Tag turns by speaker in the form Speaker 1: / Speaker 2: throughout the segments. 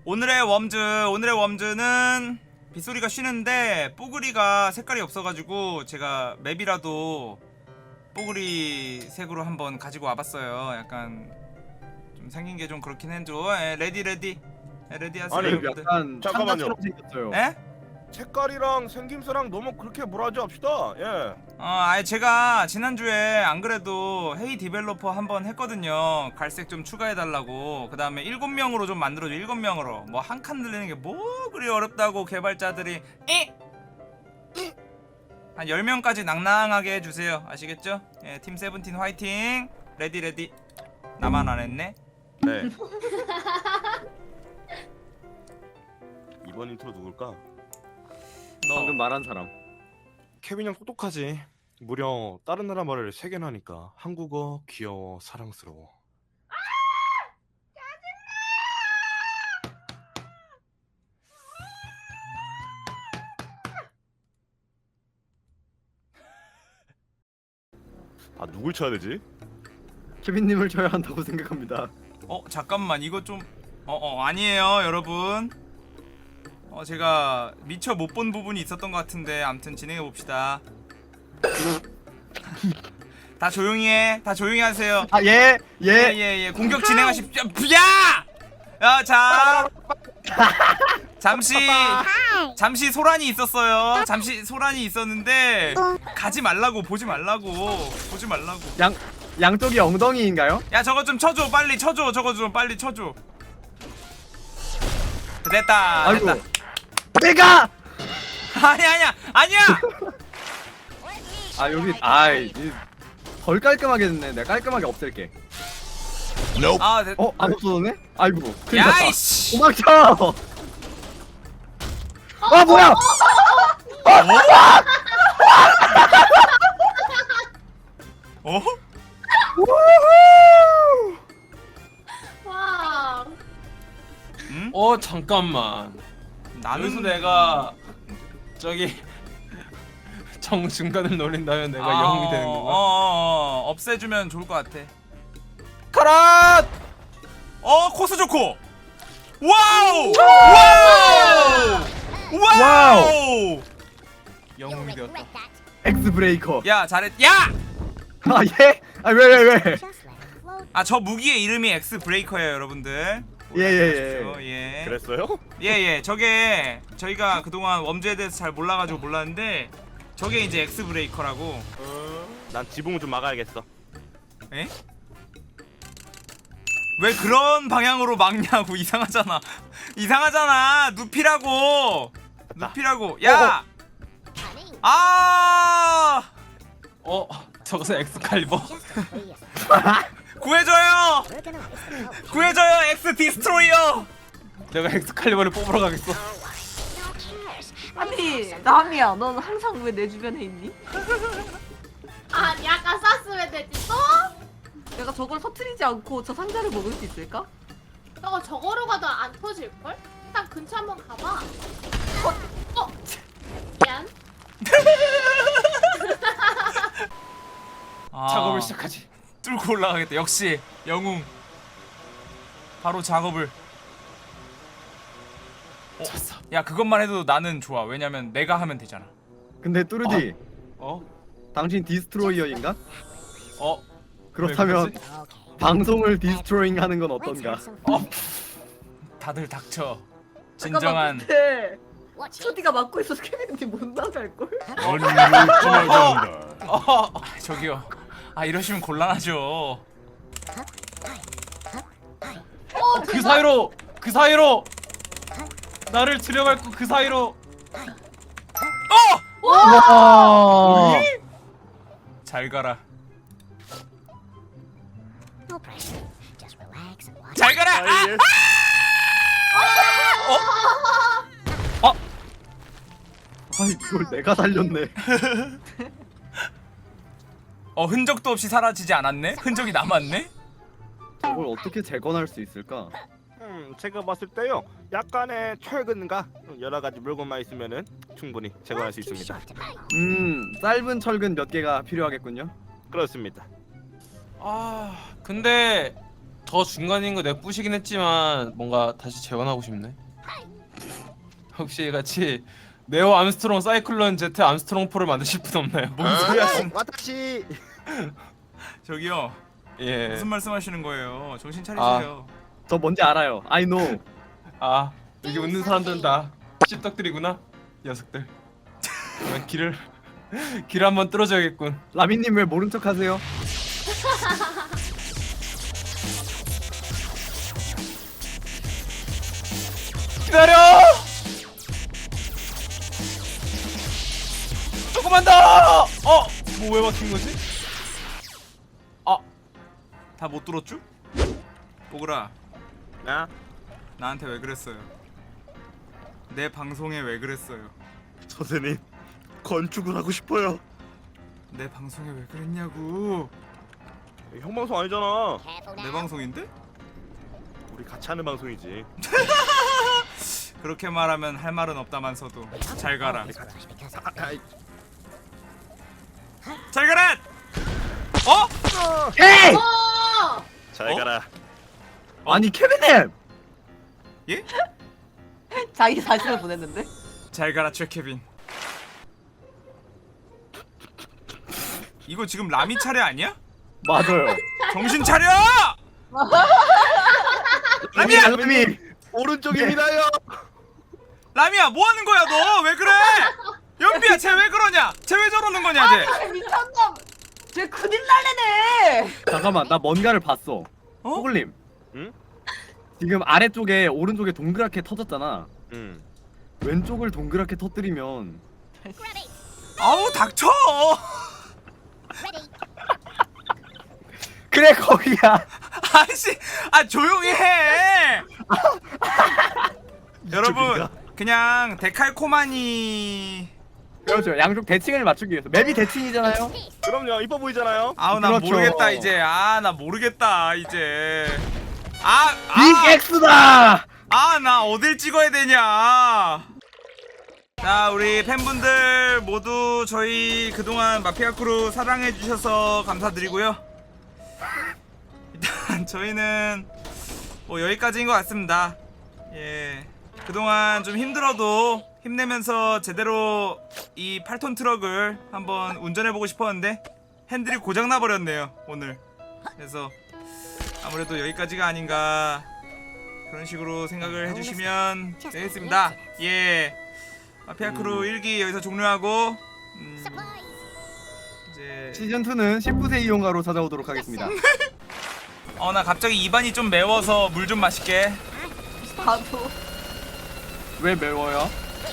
Speaker 1: 오늘의 웜즈는 빗소리가 쉬는데 뽀글이가 색깔이 없어가지고 제가 맵이라도 뽀글이 색으로 한번 가지고 와봤어요. 약간 좀 생긴 게 좀 그렇긴 해도 레디 하세요.
Speaker 2: 아니,
Speaker 1: 여러분들.
Speaker 3: 약간
Speaker 2: 잠깐만요.
Speaker 3: 창가처럼 생겼어요.
Speaker 1: 에?
Speaker 2: 색깔이랑 생김새랑 너무 그렇게 뭐라지 합시다. 예.
Speaker 1: 아니 제가 지난주에 안 그래도 헤이 디벨로퍼 한번 했거든요. 갈색 좀 추가해달라고. 그 다음에 7명으로 좀 만들어줘. 7명으로 뭐 한 칸 늘리는 게 뭐 그리 어렵다고 개발자들이 한 10명까지 낭낭하게 해주세요. 아시겠죠? 예, 팀 세븐틴 화이팅. 레디 나만 안 했네.
Speaker 2: 네. 이번 인트로 누굴까?
Speaker 3: 방금 말한 사람.
Speaker 2: 케빈 형 똑똑하지. 무려 다른 나라 말을 3개나 하니까 한국어 귀여워 사랑스러워. 아 누굴 쳐야 되지?
Speaker 3: 케빈님을 쳐야 한다고 생각합니다.
Speaker 1: 잠깐만 이거 좀 아니에요 여러분. 제가 미처 못 본 부분이 있었던 것 같은데 아무튼 진행해 봅시다. 다 조용히 해. 다 조용히 하세요.
Speaker 3: 아 예.
Speaker 1: 예. 공격 진행하십시오. 야! 자. 잠시 소란이 있었어요. 잠시 소란이 있었는데 가지 말라고 보지 말라고.
Speaker 3: 양쪽이 엉덩이인가요?
Speaker 1: 야 저거 좀 쳐줘. 빨리 쳐줘. 저거 좀 빨리 쳐줘. 됐다.
Speaker 3: 아이고.
Speaker 1: 됐다.
Speaker 3: 내가.
Speaker 1: 아니야.
Speaker 3: 아 여기 덜 깔끔하게 됐네. 내가 깔끔하게 없앨게.
Speaker 1: 아, 됐.
Speaker 3: 안 없어졌네? 아이고. 큰일 났다.
Speaker 1: 야이씨.
Speaker 3: 도망쳐. 아 뭐야?
Speaker 1: 어?
Speaker 4: 와.
Speaker 1: 응?
Speaker 5: 잠깐만.
Speaker 1: 나는
Speaker 5: 여기서 내가 저기 정중간을 노린다면 내가 영웅이 되는 건가?
Speaker 1: 없애주면 좋을 것 같아.
Speaker 5: 카라!
Speaker 1: 코스 좋고. 와우!
Speaker 3: 와우!
Speaker 1: 영웅이 되었다.
Speaker 3: 엑스 브레이커.
Speaker 1: 야 잘했. 야!
Speaker 3: 아 예? 아 왜?
Speaker 1: 저 무기의 이름이 엑스 브레이커예요, 여러분들.
Speaker 3: 예.
Speaker 1: 예.
Speaker 2: 그랬어요?
Speaker 1: 예. 저게 저희가 그동안 웜즈에 대해서 잘 몰라가지고 몰랐는데 저게 이제 엑스 브레이커라고.
Speaker 2: 난 지붕을 좀 막아야겠어.
Speaker 1: 에? 왜 그런 방향으로 막냐고. 이상하잖아. 눕히라고. 야! 아!
Speaker 5: 저것은 엑스칼리버?
Speaker 1: 구해줘요 엑스 디스트로이어.
Speaker 5: 내가 엑스칼리버를 뽑으러 가겠어.
Speaker 6: 아니 남이야, 넌 항상 왜 내 주변에 있니?
Speaker 4: 아니 아까 쐈으면 되지 또?
Speaker 6: 내가 저걸 터트리지 않고 저 상자를 먹을 수 있을까?
Speaker 4: 저거로 가도 안 터질걸? 일단 근처 한번 가봐. 미안.
Speaker 5: 작업을 시작하지.
Speaker 1: 뚫고 올라가겠다. 역시 영웅. 바로 작업을.
Speaker 5: 쳤어.
Speaker 1: 야 그것만 해도 나는 좋아. 왜냐면 내가 하면 되잖아.
Speaker 3: 근데 뚜르디,
Speaker 5: 어?
Speaker 3: 당신 디스트로이어인가?
Speaker 5: 어?
Speaker 3: 그렇다면
Speaker 5: 왜 그러지?
Speaker 3: 방송을 디스트로잉 하는 건 어떤가?
Speaker 1: 다들 닥쳐.
Speaker 6: 잠깐만,
Speaker 1: 진정한.
Speaker 6: 근데 초디가 막고 있어서 케빈이 못 나갈걸?
Speaker 1: 저기요. 이러시면 곤란하죠.
Speaker 5: 그 사이로 나를 들여밟고 그 사이로.
Speaker 3: 와.
Speaker 1: 잘 가라. 잘 가라.
Speaker 2: 예.
Speaker 3: 아이 그걸 내가 살렸네.
Speaker 1: 흔적도 없이 사라지지 않았네? 흔적이 남았네?
Speaker 3: 그걸 어떻게 재건할 수 있을까?
Speaker 2: 제가 봤을 때요. 약간의 철근과 여러 가지 물건만 있으면은 충분히 제거할 수 있습니다.
Speaker 3: 짧은 철근 몇 개가 필요하겠군요.
Speaker 2: 그렇습니다.
Speaker 5: 근데 더 중간인 거 내가 부시긴 했지만 뭔가 다시 재건하고 싶네. 혹시 같이 네오 암스트롱 사이클론 제트 암스트롱 포를 만드실 분 없나요?
Speaker 1: 뭔 소리야?
Speaker 2: 와타시.
Speaker 1: 저기요.
Speaker 5: 예.
Speaker 1: 무슨 말씀하시는 거예요? 정신 차리세요.
Speaker 3: 저 뭔지 알아요. I know.
Speaker 5: 아 여기 웃는 사람들은 다 씹덕들이구나. 녀석들. 그냥 길을 한번 뚫어줘야겠군.
Speaker 3: 라미님 왜 모른 척하세요?
Speaker 5: 기다려! 조금만 더! 뭐 왜 막힌 거지?
Speaker 1: 다 못 들었죠? 뽀글아,
Speaker 2: 야,
Speaker 1: 나한테 왜 그랬어요? 내 방송에 왜 그랬어요?
Speaker 2: 선생님 건축을 하고 싶어요.
Speaker 1: 내 방송에 왜 그랬냐고.
Speaker 2: 형 방송 아니잖아.
Speaker 1: 내 방송인데?
Speaker 2: 우리 같이 하는 방송이지.
Speaker 1: 그렇게 말하면 할 말은 없다만서도 잘 가라.
Speaker 2: 아이,
Speaker 1: 잘 가라! 어?
Speaker 3: 에이!
Speaker 4: 어!
Speaker 2: 잘
Speaker 1: 어?
Speaker 2: 가라.
Speaker 3: 아니 케빈님!
Speaker 1: 예?
Speaker 6: 자기 사진을 보냈는데.
Speaker 1: 잘 가라 최케빈. 이거 지금 라미 차례 아니야?
Speaker 3: 맞아요.
Speaker 1: 정신 차려! 라미야!
Speaker 3: 라미!
Speaker 2: 오른쪽입니다요.
Speaker 1: 라미야 뭐 하는 거야 너? 왜 그래? 연비야 쟤 왜 그러냐? 쟤 왜 저러는 거냐 쟤?
Speaker 6: 아, 미쳤나? 쟤 큰일 날래네.
Speaker 3: 잠깐만 나 뭔가를 봤어.
Speaker 1: 어?
Speaker 3: 호글님.
Speaker 2: 응?
Speaker 3: 지금 아래쪽에 오른쪽에 동그랗게 터졌잖아.
Speaker 2: 응.
Speaker 3: 왼쪽을 동그랗게 터뜨리면
Speaker 1: 아우 닥쳐!
Speaker 3: 그래 거기야.
Speaker 1: 아씨, 아 조용히 해. 여러분 그냥 데칼코마니.
Speaker 3: 그렇죠. 양쪽 대칭을 맞추기 위해서. 맵이 대칭이잖아요.
Speaker 2: 그럼요. 이뻐 보이잖아요.
Speaker 1: 아우 나
Speaker 3: 그렇죠.
Speaker 1: 모르겠다 이제. 아 나 모르겠다 이제.
Speaker 3: 빅 X다.
Speaker 1: 아 나 어딜 찍어야 되냐. 자 우리 팬분들 모두 저희 그동안 마피아 크루 사랑해 주셔서 감사드리고요. 일단 저희는 뭐 여기까지인 것 같습니다. 예, 그동안 좀 힘들어도 힘내면서 제대로 이 8톤 트럭을 한번 운전해보고 싶었는데 핸들이 고장나 버렸네요 오늘. 그래서 아무래도 여기까지가 아닌가 그런 식으로 생각을 해주시면 되겠습니다. 예, 마피아 크루 1기 여기서 종료하고 이제
Speaker 3: 시즌2는 19세 이용가로 찾아오도록 하겠습니다.
Speaker 1: 나 갑자기 입안이 좀 매워서 물 좀 마실게.
Speaker 6: 나도.
Speaker 3: 왜 매워요?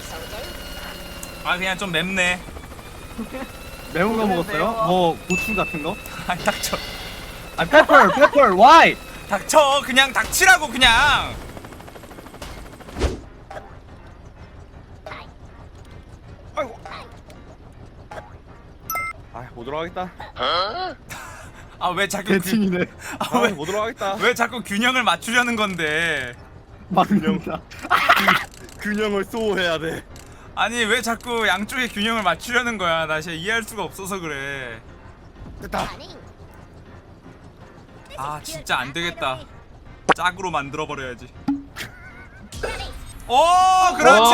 Speaker 1: 아 그냥 좀 맵네.
Speaker 3: 매운 거
Speaker 6: 왜
Speaker 3: 먹었어요?
Speaker 6: 매워?
Speaker 3: 뭐 고추 같은 거?
Speaker 1: 아 닥쳐.
Speaker 3: 아 페퍼 why?
Speaker 1: 닥쳐 그냥 닥치라고 그냥.
Speaker 2: 아이고. 못 들어가겠다.
Speaker 1: 아 왜 자꾸
Speaker 3: 대칭이네.
Speaker 2: 못 들어가겠다.
Speaker 1: 왜 자꾸 균형을 맞추려는 건데?
Speaker 3: 막는다.
Speaker 2: 균형을 소화해야 돼.
Speaker 1: 아니 왜 자꾸 양쪽의 균형을 맞추려는 거야? 나 진짜 이해할 수가 없어서 그래.
Speaker 2: 됐다.
Speaker 1: 아 진짜 안 되겠다. 짝으로 만들어 버려야지. 오 그렇지.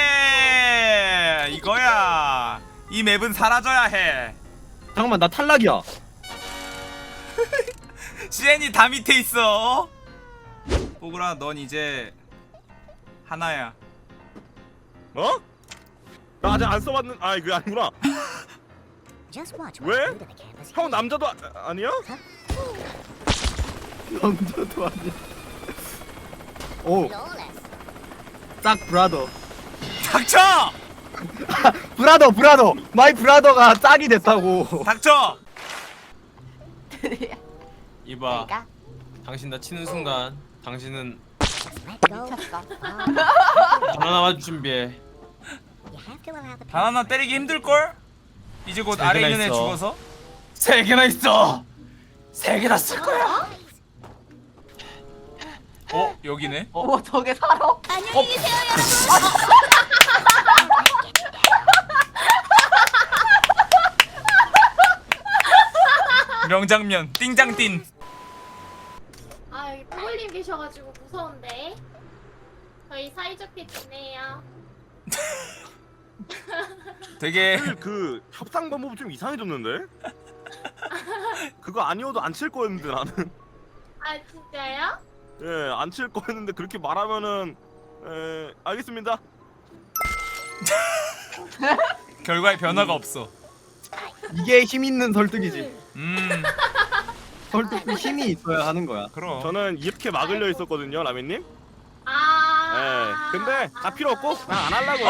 Speaker 1: 이거야. 이 맵은 사라져야 해.
Speaker 3: 잠깐만 나 탈락이야.
Speaker 1: 시엔이 다 밑에 있어. 뽀글아 넌 이제 하나야.
Speaker 2: 어? 나 아직 안 써봤는. 아 이거 아니구나. 왜? 형 남자도 아니야?
Speaker 3: 남자도 아니야. 오, 딱 브라더.
Speaker 1: 닥쳐.
Speaker 3: 브라더. 마이 브라더가 짝이 됐다고.
Speaker 1: 닥쳐.
Speaker 5: 이봐. 당신 나 치는 순간 당신은
Speaker 6: 미쳤다.
Speaker 5: 바나나 맛 준비해.
Speaker 1: 바나나 때리기 힘들걸? 이제 곧
Speaker 5: 세
Speaker 1: 아래
Speaker 5: 개나
Speaker 1: 있는 애
Speaker 5: 있어.
Speaker 1: 죽어서?
Speaker 5: 3개나 있어. 3개나 쓸 거야.
Speaker 1: 여기네?
Speaker 6: 오 저게 살아?
Speaker 4: 안녕히 계세요
Speaker 1: 명장면 띵장띵.
Speaker 4: 아 나오셔가지고 무서운데. 저희 사이좋게 지내요.
Speaker 1: 되게
Speaker 2: 그 협상 방법이 좀 이상해졌는데? 그거 아니어도 안 칠 거였는데 나는.
Speaker 4: 아 진짜요?
Speaker 2: 예, 안 칠 거였는데 그렇게 말하면은 알겠습니다.
Speaker 1: 결과에 변화가 없어.
Speaker 3: 이게 힘 있는 설득이지. 설득도 힘이 있어야 하는 거야.
Speaker 1: 그럼.
Speaker 2: 저는 이렇게 막으려 했었거든요, 라면님.
Speaker 4: 아.
Speaker 2: 예, 근데 다 필요 없고 난 안 하려고요.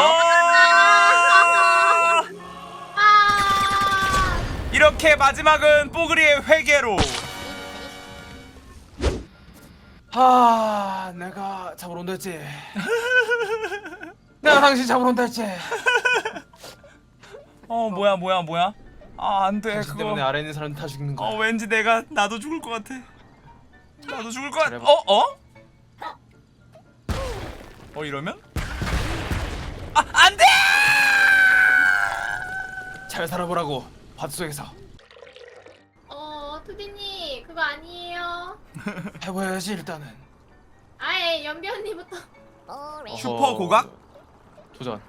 Speaker 4: 아.
Speaker 1: 이렇게 마지막은 뽀글이의 회개로.
Speaker 5: 내가 잡으러 온다 했지. 내가 당신 잡으러 온다 했지.
Speaker 1: 뭐야. 아, 안 돼.
Speaker 5: 당신 때문에 아래 있는 사람 다 죽는 거야.
Speaker 1: 왠지 나도 죽을 것 같아. 나도 죽을 것 같아.
Speaker 5: 잘해봐.
Speaker 1: 이러면? 안 돼!
Speaker 5: 잘 살아보라고 밭속에서.
Speaker 4: 투디님 그거 아니에요.
Speaker 5: 해봐야지 일단은.
Speaker 4: 아예 연비 언니부터.
Speaker 1: 슈퍼 고각?
Speaker 5: 도전.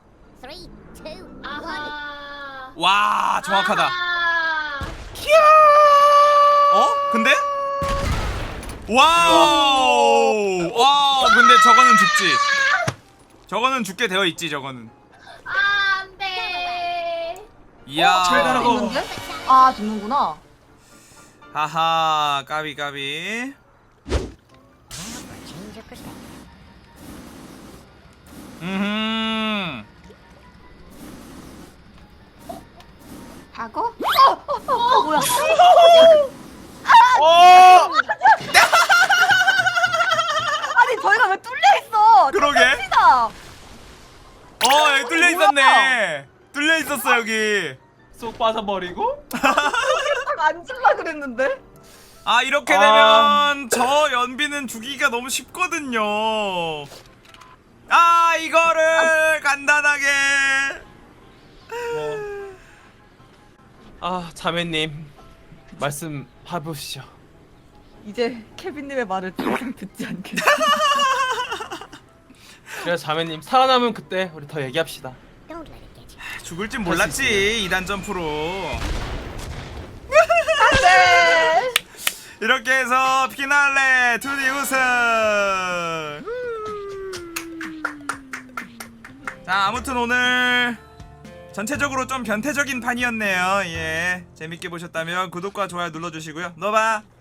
Speaker 4: 아하.
Speaker 1: 와, 정확하다.
Speaker 4: 아하.
Speaker 1: 근데? 와우! 근데 저거는 죽지. 저거는 죽게 되어 있지, 저거는.
Speaker 4: 아, 안 돼.
Speaker 1: 이야.
Speaker 5: 잘 가라고.
Speaker 6: 있는데? 아 죽는구나.
Speaker 1: 하하, 까비.
Speaker 6: 과거? 뭐야? 아니 저희가 왜 뚫려 있어?
Speaker 1: 그러게.
Speaker 6: 뚫립니다.
Speaker 1: 여기 뚫려 있었네. 뚫려 있었어, 여기.
Speaker 5: 쏙 빠져버리고.
Speaker 6: 딱 앉을라 그랬는데.
Speaker 1: 이렇게 되면 저 연비는 죽이기가 너무 쉽거든요. 이거를 간단하게.
Speaker 5: 자매님 말씀 해보시죠.
Speaker 6: 이제 케빈님의 말을 더 이상 듣지 않겠어.
Speaker 5: 그래 자매님 살아남으면 그때 우리 더 얘기합시다.
Speaker 1: 죽을 줄 몰랐지, 2단 점프로.
Speaker 6: 네.
Speaker 1: 이렇게 해서 피날레 2D 우승. 자, 아무튼 오늘 전체적으로 좀 변태적인 판이었네요. 예, 재밌게 보셨다면 구독과 좋아요 눌러주시고요. 너봐.